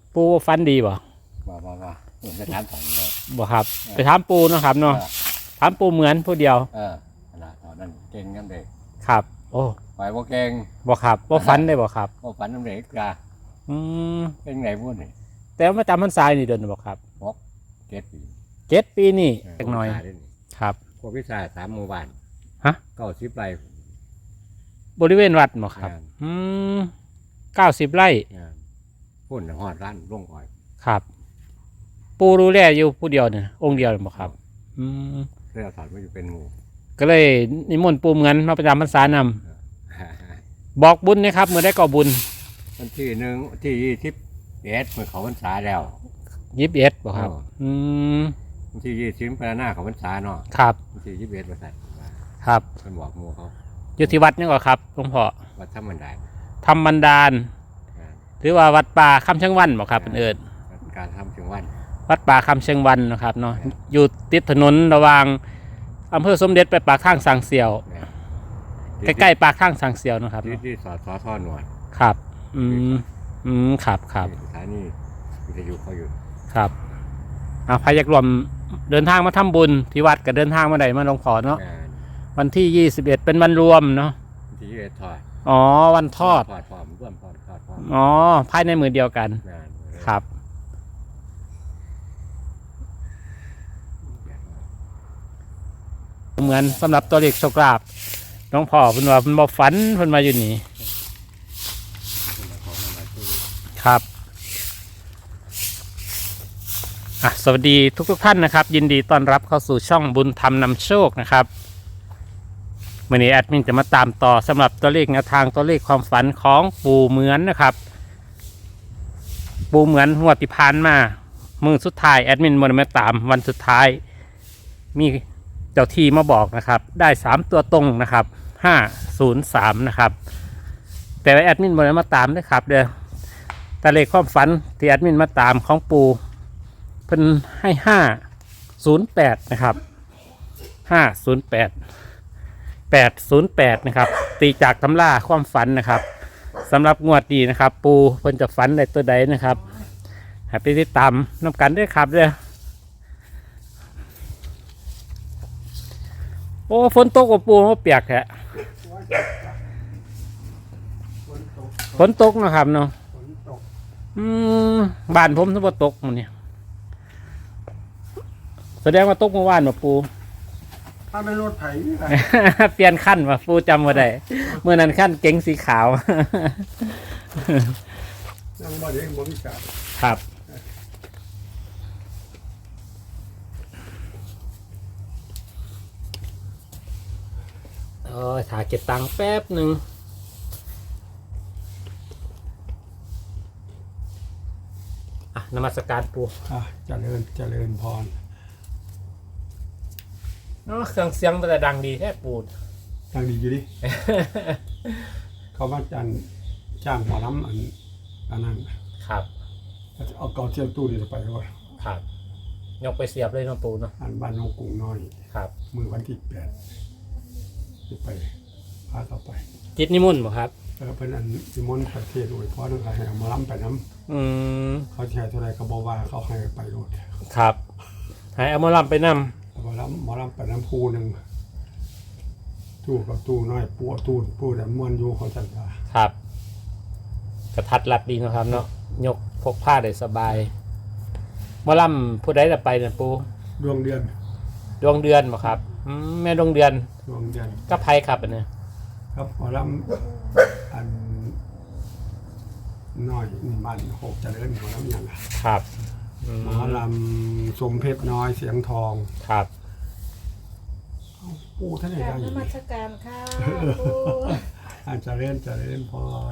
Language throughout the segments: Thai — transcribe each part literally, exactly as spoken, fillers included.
ปูฟันดีบ่บ่บ่บ่ไปถามฝันเลยบ่ครับไปถามปูเนาะครับเนาะถามปูเหมือนผู้เดียวเออนะตอนนั้นเก่งน้ำเด็กครับโอ้ไปบ่เก่งบ่ครับบ่ฟันได้บ่ครับบ่ฝันน้ำเด็กจ้าอืมเป็นไงพูดนี่แต่ว่าจำพรรษานี่เดินบ่ครับหกเจ็ดปีเจ็ดปีนี่จักหน่อยครับพวกวิชาสามหมู่บ้านฮะเก้าสิบไร่บริเวณวัดบ่ครับอืมเก้าสิบไร่พุ่นหอดร้านร่วงอ้อยครับปูดูแลอยู่ผู้เดียวเนี่ยองค์เดียวบ่ครับอืมเรื่องสอนว่าอยู่เป็นหมู่ก็เลยนิมนต์ปูเหมือนมาประจำพรรษานำบอกบุญนะครับเมื่อได้ก่อบุญวันที่หนึ่งที่ยี่สิบเอ็ดเมื่อเขาพรรษาแล้วยี่สิบเอ็ดบ่ครับอืมวันที่ยี่สิบพระหน้าเขาพรรษาเนาะครับวันที่ยี่สิบเอ็ดวันนั้นครับเป็นบอกหมู่เขาอยู่ที่วัดนี่ก่อนครับหลวงพ่อวัดธรรมดาธรรมบันดาลหรือว่าวัดป่าคำเชียงวันบ่ครับเป็นเอิญการทำเชียงวันวัดป่าคำเชียงวันนะครับเนาะอยู่ติดถนนระหว่างอำเภอสมเด็จไปปากข้างสังเสียวใกล้ๆปากข้างสังเสียวนะครับที่ที่สอดสอท่อหนวดครับอืมอืมครับครับสถานีวิทยุเขาอยู่ครับอ่าพายักรวมเดินทางมาทำบุญที่วัดกับเดินทางมาไหนมาหลวงพ่อเนาะวันที่ยี่สิบเอ็ดเป็นวันรวมเนาะที่ยี่สิบเอ็ดทอดอ๋อวันทอดทอดพร้อมร่วมทอดทอดพร้อมอ๋อภายในมือเดียวกันครับเหมือนสำหรับตัวเลขโชคลาภน้องพ่อเพิ่นว่าเพิ่นบ่ฝันเพิ่นมาอยู่นี่ครับอ่ะสวัสดีทุกทุกท่านนะครับยินดีต้อนรับเข้าสู่ช่องบุญธรรมนำโชคนะครับวันนี้แอดมินจะมาตามต่อสำหรับตัวเลขแนวทางตัวเลขความฝันของปู่เหมือนนะครับปู่เหมือนหัวติพานมามือสุดท้ายแอดมินมามาตามวันสุดท้ายมีเจ้าที่มาบอกนะครับได้สามตัวตรงนะครับห้าศูนย์สามนะครับแต่แอดมินมามาตามด้วยครับเดี๋ยวตัวเลขความฝันที่แอดมินมาตามของปู่เพิ่นให้ห้าศูนย์แปดนะครับห้าศูนย์แปดแปดศูนย์แปดนะครับตีจากตำราความฝันนะครับสำหรับงวดนี้นะครับปูเพิ่นจะฝันในตัวใดนะครับให้ไปติดตามน้ำกันด้วยครับเด้อโอ้ฝนตกกับปูมันเปียกแฮะฝนตกนะครับเนาะอืมบ้านผมทั้งหมดตกมันเนี่ยแสดงว่าตกเมื่อวานมาปูถ้าไม่รถไถนี่แหละเปลี่ยนขั้นว่ะปูจำมาได้เมื่อนั้นขั้นเก๋งสีขาวยังบ่ได้บริการครับโอ้ยถ่ายเก็บตังค์แป๊บหนึ่งอ่ะนมัสการปูอ่ะเจริญเจริญพรเครื่องเสียงมันจะดังดีแท้ปูดดังดีอยู่ดิ เขาว่าจันจ้างหมอลำอันอันนั้นครับเอาเกาเทียมตู้นี่ไปด้วยครับยกไปเสียบเลยน้องปูเนาะอันบ้านน้องกุ้งน้อยครับมือวันที่แปดจะไปพาเขาไปจิตนิมนต์บ่ครับเออเป็นอันนิมนต์ประเทศโดยเพราะนั่นเขาให้หมอลำไปน้ำอืมเขาแชร์เท่าไรก็บอกว่าเขาให้ไปโดดครับให้เอาหมอลำไปนำหมอลำหมอลำไปน้ำพูหนึ่งตู้กับตู้น้อยปูตู้ปูแต่ม้วนอยู่เขาจัดการครับกระทัดรัดดีนะครับเนาะยกพกผ้าได้สบายหมอลำผู้ใดจะไปเนี่ยปูดวงเดือนดวงเดือนบ่ครับแม่ดวงเดือนดวงเดือนก็ไพ่ครับอันนี้ครับหมอลำอันน้อยนี่บ้านหกเจริญหมอลำอย่างครับหมอลำสมเพชรน้อยเสียงทองครับปูท่านไหนได้อยู่นมัสการค่ะปูอาจจะเล่นจะเล่นพร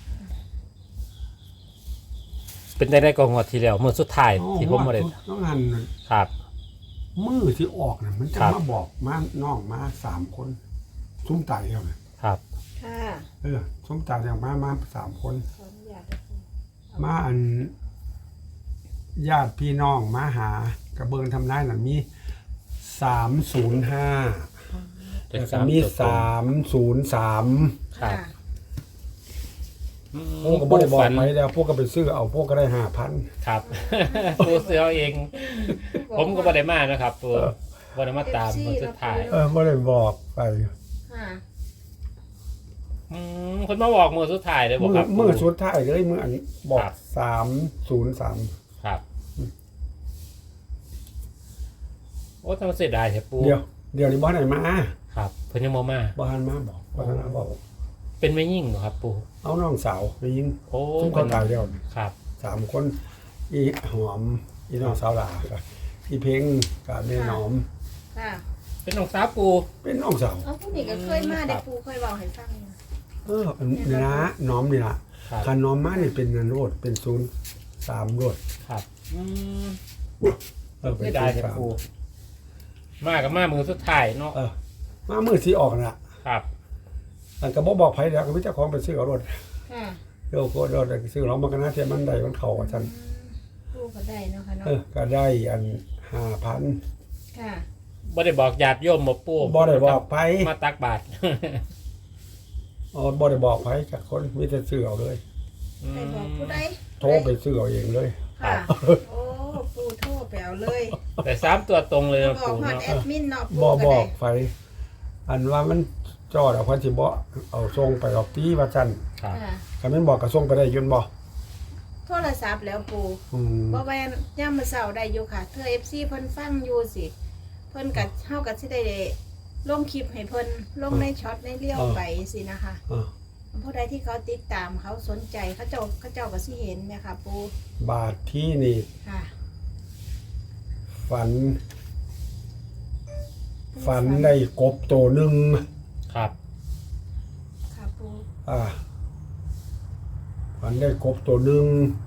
เป็นได้ได้กองหัวทีแล้วมือสุดท้ายที่ผมมาเล่นต้องงานครับมือที่ออกเนี่ยมันจะมาบอกมาน้องมาสามคนซุ้มตายแล้วเนี่ยครับค่ะเออซุ้มตายอย่างมามาสามคนมาอันญาติพี่น้องมาหากระเบื้องทำนายหนังมีสามศูนย์ห้าแล้วก็มีสามศูนย์สามครับอืมพวกก็บ่ได้บอกฝันไปแล้วพวกก็ไปซื้อเอาพวกก็ได้ห้าพันครับ ปูเสือเอาเอง ผมก็บ่ได้มานะครับปูบ่ได้มาตามคนสุดท้ายเออบ่ได้บอกไปค่ะอืมคนมาบอกมือสุดท้ายเลยบอกมือครับมือสุดท้ายก็เลยมืออันบอกครับสามศูนย์สามครับโอ้ทำเสียดายแท้ปูเดี๋ยวเดี๋ยวนี้บ่ได้มาครับเพิ่นยังบ่มาบ่ทันมาบอกบ่ทันมาบอกเป็นไม่ยิ่งเหรอครับปูเอาน้องสาวไปยิงโอ้ซึ่งเขาตายแล้วครับสามคนอีหอมอีน้องสาวหลากับอีเพ่งกับแม่หนอมค่ะเป็นน้องสาวปูเป็นน้องสาวเอาผู้นี้ก็เคยมาได้ปูเคยบอกให้ฟังอยู่เออนี่นะน้อมนี่ล่ะครับคันน้อมมานี่เป็นนันโรดเป็นศูนย์สามโรดครับอืมเออเป็นเสียศูดายนย์แท้สามปูมากับมามือสุดท้ายเนาะเออมามือสีออกน่ะครับอันก็บ่บอกไผแล้วก็มีเจ้าของไปซื้อเอารถค่ะเดี๋ยวก็รถซื้อเรามันก็น่าเทียมันได้มันเข้าว่าซั่นปูก็ได้เนาะค่ะเนาะเออก็ได้อันห้าพันค่ะบ่ได้บอกญาติโยมบ่ปูบ่ได้บอกไผมาตักบาตรอ๋อบ่ได้บอกไผจากคนมีแต่ซื้อเอาเลยใครบอกผู้ใดโทรไปซื้อเอาเองเลยค่ะ โอ้ปูโทรไปเอาเลยแต่สามตัวตรงเลยบนะอกปูฮอดเนาะแอดมินเนาะปูบ่ก็บได้อกไผอันว่ามันจอดเอาพันสิบ่เอาส่งไปออกตีว่าซั่นครับค่ะคันแม่นบอกก็ส่งไปได้อยืนบ่โทรศัพท์แล้วปูอืมบ่แม่นย่ามมื้อเช้าได้อยู่ค่ะเธอ เอฟ ซี เพิ่นฟังอยู่สิ เพิ่นก็เฮาก็สิได้ลงคลิปให้เพิ่นลงในช็อตในเลี้ยวไปสินะคะอ่าผู้ใดที่เขาติดตามเขาสนใจเขาเจ้าเขาเจ้าก็สิเห็นเนะคะปูบาทที่นี่ค่ะฝัน ฝันได้กบตัวหนึงครับค่ะปูอ่าฝันได้กบตัวหนึง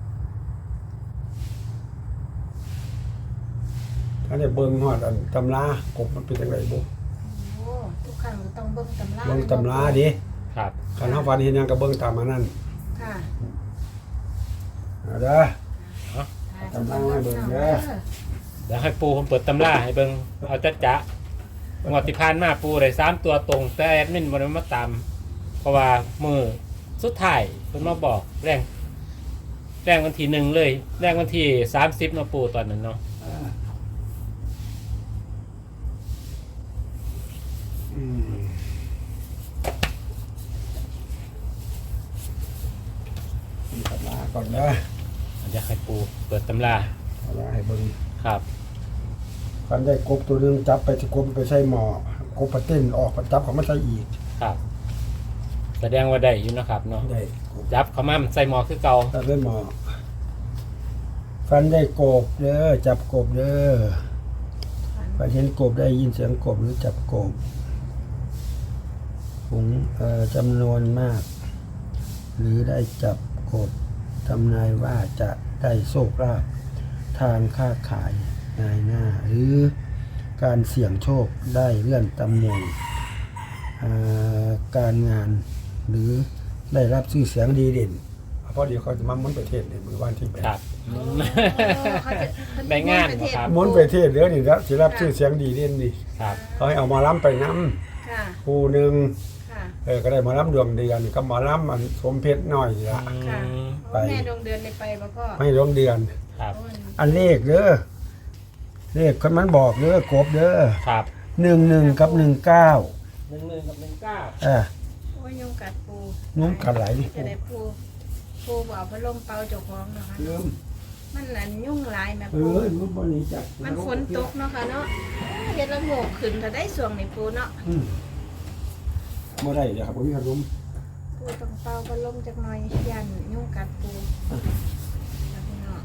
ถ้าได้เบิ่งฮอดอันตำรากบมันเป็นจังไดบ่โอ้ทุกครั้งต้องเบิ่งตำราเบิ่งตำราดิครับคันเฮาฝันเห็นหยังก็เบิ่งตามอันนั้นค่ะเอาเด้อค่ะตำราให้เบิ่งเด้อเดี๋ยวให้ปูผมเปิดตำราให้เบิ่งเอาจัดจะงวดที่ผ่านมาปูได้สามตัวตรง แต่แอดมินบ่ได้มาตาม เพราะว่ามือสุดท้ายเพิ่นมาบอกแรงแรงวันที่หนึ่งเลยแรงวันที่สามสิบเนาะปูตอนนั้นเนาะอืมมีตำราก่อนเด้อเดี๋ยวให้ปูเปิดตำราตำราให้เบิ่งครับคันได้กบตัวหนึงจับไปที่กบไปใส่หม้อกบปะเต้นออกปะจับเขามาใส่อีกครับ แสดงว่าได้อยู่นะครับเนาะได้กบจับเขามาใส่หมอคือเก่าจับได้หม้อฟันได้กบเด้อจับกบเด้อฟันเห็นกบได้ยินเสียงกบหรือจับกบฝูงเอ่อจำนวนมาก หรือได้จับกบทำนายว่าจะได้โชคลาภทางค้าขายนายหน้า หรือการเสี่ยงโชคได้เลื่อนตำแหน่งอ่าการงานหรือได้รับชื่อเสียงดีเด่นเพราะเดี๋ยวเขาจะมาม้วนประเทศในมือวันที่แปดครับโอ้เขาจะเพิ่นได้งานประเทศบ่ครับม้วนประเทศเดี๋ยวนี่แล้วจะรับชื่อเสียงดีเด่นนี่ครับเขาให้เอาหมาล้ำไปน้ค่ะำคู่หนึ่งค่ะเออก็ได้หมาล้ำดวงเดือนก็หมาล้ำมันสมเพชรหน่อยนี่ละค่ะอืมไปแม่ดวงเดือนในไปบ่พ่อไม่ดวงเดือนครับโอ้ยอันเลขเด้อเลขคนมันบอกเด้อกบเด้อครับหนึ่งหนึ่งกับหนึ่งเก้าหนึ่งหนึ่งกับหนึ่งเก้าเออโอ้ยยุงกัดปูยุงกัดหลายดิจะได้ปูปูบ่เอาพัดลมเป่าเจ้าของเนาะค่ะเริ่มมันอันยุ่งหลายแม่เอปูอมันบริจาคมันฝนตกเนาะค่ะเนาะเฮ็ดละโงกขึ้นถ้าได้ส่วงนี่ปูเนาะอืมบ่ได้เดี๋ยวครับผมมีขนมปูต้องเป่าพัดลมจักหน่อยยันยุ่งกัดปูแล้วพี่น้อง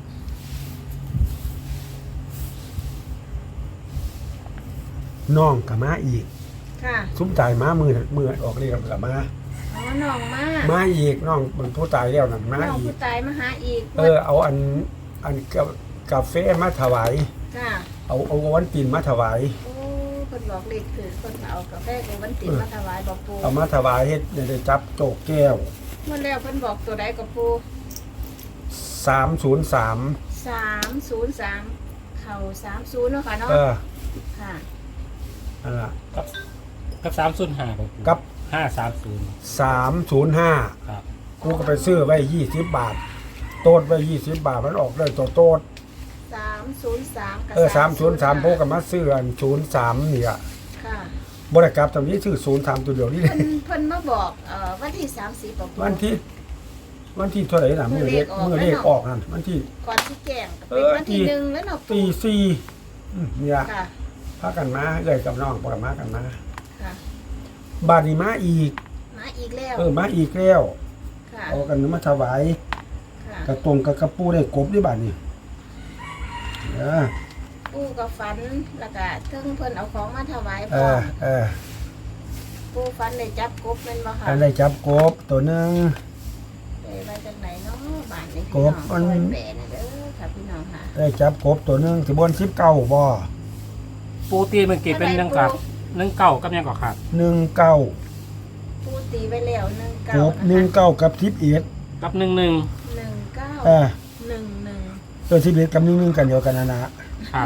น้องกับมาอีกค่ะซุ้มตายมามือมือออกเรียกกับมาอ๋อน้องมามาอีกน้องมันผู้ตายแล้วนั่นมาน้องอีผู้กตายมาหาอีกเออเอาอันอันกากาแฟมาถวายค่ะเอาเอาวันตีนมาถวายโอ้เพิ่นบอกเลขคือเพิ่นเอากาแฟกับวันติดมาถวายบอกปูเอามาถวายเฮ็ดได้จับโจกแก้วเมื่อแล้วเพิ่นบอกตัวใดกับปูสามศูนย์สามสามศูนย์สามเข่าสามศูนย์เนาะค่ะเนาะเออค่ะนั่นล่ะกับกับสามศูนย์ห้ากับห้าสามศูนย์สามศูนย์ห้าครับกูก็ไปซื้อไว้ยี่สิบบาท โต๊ดไว้ยี่สิบบาทมันออกเลยตัวโต๊ดสามศูนย์สามกับเออสามศูนย์สามพวกกับมาซื้ออันศูนย์สามนี่อ่ะค่ะบริกรรมตอนนี้ซื้อศูนย์สามตัวเดียวนี่เลเพิ่ยนเพิ่นมาบอกเอ่อวันที่สามสิบบอกวันที่ วันที่เท่าไหร่น่ะมือเลขมือเลขออกนั่นวันที่ก่อนที่แจ้งก็เอเป็นอวันที่ตีหนึ่งแล้วเนาะตีปู่สี่อืมเนี่ยค่ะพากันมาเลยกับน้องพากันมากันมาค่ะบาดนี้มาอีกมาอีกแล้วเออมาอีกแล้วค่ะเอากันมาถวายค่ะกระตรงกับกระปูได้กบด้วยบาดนี้เออปู่ก็ฝันแล้วก็ถึงเพิ่นเอาของมาถวายเอพ่ออเออปู่ฝันได้จับกบแม่นบ่ค่ะอันได้จับกบตัวหนึงได้มาจากไหนเนาะบ้านนี้กพี่บน้องมันช่วยแปลหน่อยเด้อค่ะพี่น้องค่ะได้จับกบตัวหนึงสิบนสิบเก้าบ่ปูตีเมื่อกี้เป็นหนึ่งกับหนึ่งเก่ากับยังก่อครับหนึ่งเก้าปู่ตีไว้แล้วหนึ่งเก้ากบหนึ่งเก้ากับสิบเอ็ดกับหนึ่งหนึ่งหนึ่งเก้าเออหนึ่งหนึ่งตัวสิบเอ็ดกับหนึ่งหนึ่งกันเดียวกันนะนะครับ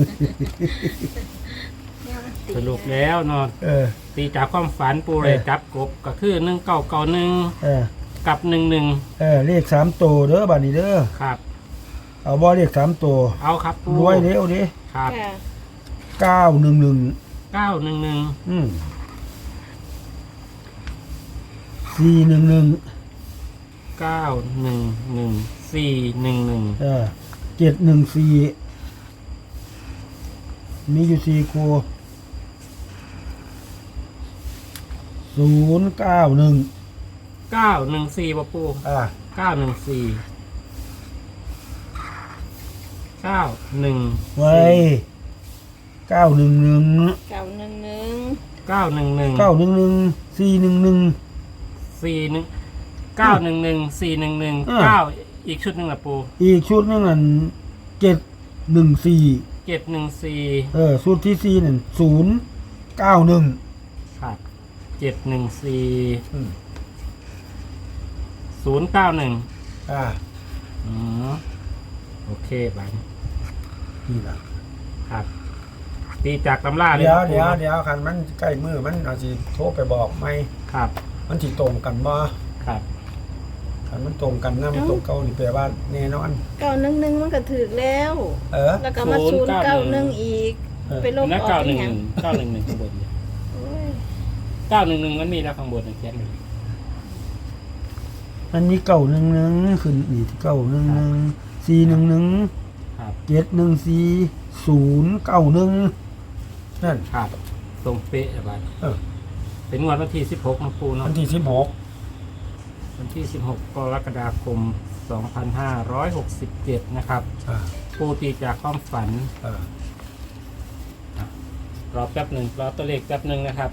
ยังตีสรุปแล้วเนาะเออตีจากความฝันปูเลยจับกบก็คือหนึ่งเก่าเก่าหนึ่งเออกับหนึ่งหนึ่งเออเลขสามตัวเด้อบาดนี้เด้อครับเอาบ่เลขสามตัวเอาครับปูรวยเร็วดิครับค่ะเก้าหนึ่งหนึ่งเก้าหนึ่งหนึ่งอืมสี่หนึ่งหนึ่งเก้าหนึ่งหนึ่งสี่หนึ่งหนึ่งเออเจ็ดหนึ่งสี่มีอยู่สี่คู่ศูนย์เก้าหนึ่งเก้าหนึ่งสี่ปะปูอ่าเก้าหนึ่งสี่เก้าหนึ่งไว้เก้าหนึ่งหนึ่งเก้าหนึ่งหนึ่งเก้าหนึ่งหนึ่งเก้าหนึ่งหนึ่งสี่หนึ่งหนึ่งสี่หนึ่งเก้าหนึ่งหนึ่งสี่หนึ่งหนึ่งอ่าเก้าอีกชุดหนึ่งละปูอีกชุดหนึงนั่นเจ็ดหนึ่งสี่เจ็ดหนึ่งสี่เออชุดที่สี่นั่นศูนย์เก้าหนึ่งครับเจ็ดหนึ่งสี่ศูนย์เก้าหนึ่งอ่าอ๋อโอเคบังนี่ล่ะครับ ตีจากตำราเลยเดี๋ยวครับเดี๋ยวปูเดี๋ยวคันมันใกล้มือมันอาจจะโทรไปบอกไหมครับมันสิตรงกันบ่ครับคันมันตรงกันนะมันตรงเก่านี่แปลว่าแน่นอนเก้าหนึ่งหนึ่งมันก็ถือแล้วเออแล้วก็มาศูนย์เก้าหนึ่งอีกเออไปลบแล้วออกเก้าหเป็นึ่นงหหยังนึ่งเก้าหนึ่งหนึ่งข้างบนเนี่ยโอ้ยเก้าหนึ่งหนึ่งมันมีแล้วข้างบนเนี่ยเขียนอยู่มันมีเก่าหนึ่งหนึ่งขึ้นอีกเก่าหนึ่งหนึ่งสี่หนึ่งหนึ่งครับเจ็ดหนึ่งสี่ศูนย์เก้าหนึ่งนั่นครับตรงเป๊ะอะบัดเออเป็นงวดวันที่สิบหกนะปูเนาะวันที่สิบหกวันที่สิบหกกรกฎาคมสองพันห้าร้อยหกสิบเจ็ดนะครับอ่าปูตีจากความฝันอ่ารอแป๊บหนึ่งรอตัวเลขแป๊บหนึ่งนะครับ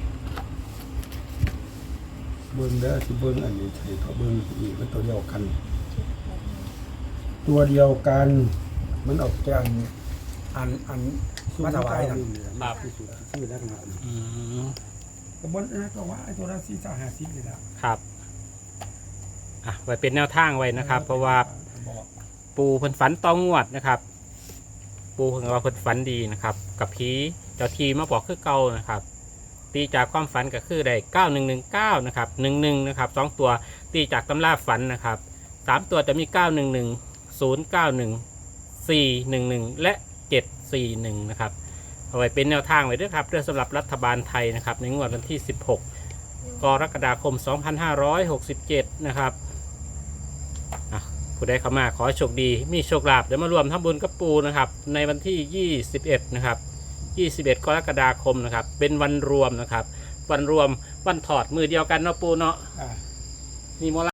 เบิ้งเด้อที่เบิ้งอันนี้ใช่เขาเบิ้งอีกมันตัวเดียวกัน ตัวเดียวกัน มันออกจากอันอันอันมาถวายนั่นครับชื่อแล้วกันอืมกระบวนนะก็ว่าไอ้ตัวละสี่สามห้าสิบนี่แหละครับอ่ะไว้เป็นแนวทางไว้นะครับ เพราะว่าบอกปูเพิ่นฝันต้องงวดนะครับ ปูเพิ่นว่าเพิ่นฝันดีนะครับ กับผีเจ้าทีมาบอกคือเก่านะครับ ตีจากความฝันก็คือได้เก้าหนึ่งหนึ่งเก้านะครับหนึ่งหนึ่งนะครับสองตัวตีจากตำราฝันนะครับสามตัวจะมีเก้าหนึ่งหนึ่งศูนย์เก้าหนึ่งสี่หนึ่งหนึ่งและเจ็ดสี่หนึ่งนะครับเอาไว้เป็นแนวทางไว้ด้วยครับเรื่องสำหรับรัฐบาลไทยนะครับ ในงวดวันที่สิบหกกรกฎาคมสองพันห้าร้อยหกสิบเจ็ดนะครับอ่ะผู้ใดเข้ามาขอโชคดีมีโชคลาภเดี๋ยวมารวมทำบุญกับปูนะครับในวันที่ยี่สิบเอ็ดนะครับยี่สิบเอ็ดกรกฎาคมนะครับเป็นวันรวมนะครับวันรวมวันถอดมือเดียวกันเนาะปูเนาะอ่ามีโม